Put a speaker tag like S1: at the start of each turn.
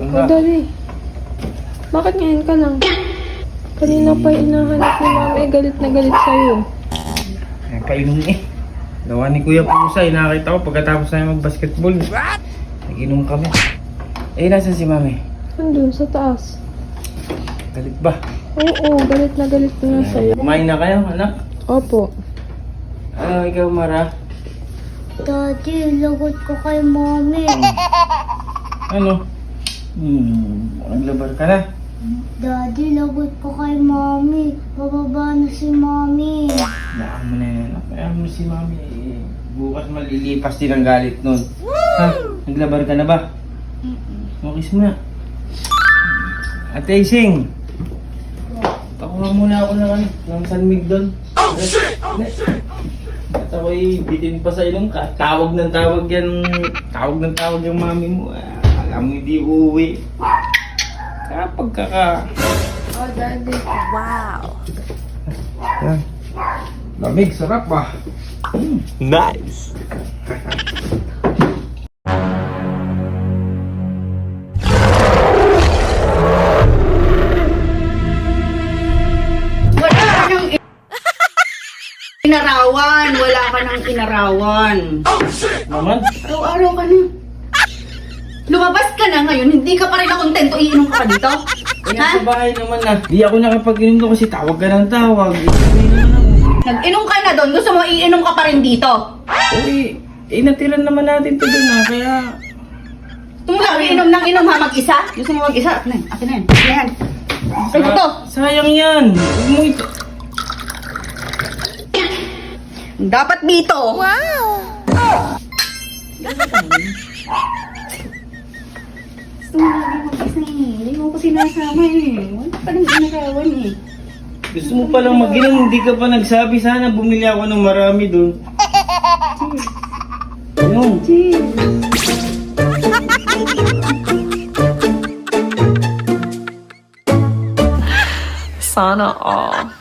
S1: Oh, Daddy. Bakit ngayon ka lang? Kanina pa inahanap ni Mami. Galit na galit sa'yo.
S2: Ay, painom eh. Gawa ni Kuya Pusa, nakita ko pagkatapos namin mag-basketball. Nag-inom kami. Eh, nasan si Mami?
S1: Andun sa taas.
S2: Galit ba?
S1: Oo, galit na galit na sa'yo.
S2: Kumain na kayo, anak?
S1: Opo.
S2: Ano, ikaw, Mara?
S3: Daddy, lagot ko kay Mommy.
S2: Ano? Naglabar ka na?
S3: Daddy, lagot ko kay Mommy. Bababa na si Mommy.
S2: Hayaan mo na yan, anak. Hayaan mo si Mami. Eh, bukas malilipas din ang galit nun. Ha? Naglabar ka na ba? Kiss mo na. Ate Ising! Pakuha muna ako ng sanmig doon. At ako'y bitin pa sa ilong ka. Tawag ng tawag yan. Tawag ng tawag yung mami mo. Alam mo hindi uuwi. Kapag
S1: Oh, Daddy.
S4: Wow.
S2: Yan. Lamig, sarap ba?
S4: Nice.
S5: Wala ka nang inarawan. Wala ka nang inarawan.
S2: Naman?
S5: Araw-araw ka na. Lumabas ka na ngayon, hindi ka pa rin nakontento, iinom ka pa dito?
S2: Kaya sa bahay naman na. Di ako nakapag-inom doon kasi tawag ka ng tawag.
S5: Nag-inom ka na doon, gusto mo iinom ka pa rin dito?
S2: Uy, natiran naman natin to doon ha. Kaya...
S5: Tumula, iinom ng inom ha, mag-isa? Gusto mo mag-isa? Akin na yan, akin na yan. Akin na yan. Ay, ito.
S2: Sayang yan. Huwag mo ito.
S5: Dapat dito.
S4: Wow.
S5: Gusto mo lagi mag-isa eh. Hindi mo ko sinasama eh. Wala pa nang inarawan eh.
S2: Gusto mo palang mag-inom, hindi ka pa nagsabi. Sana bumili ako ng marami doon. Ayun.
S4: Sana all.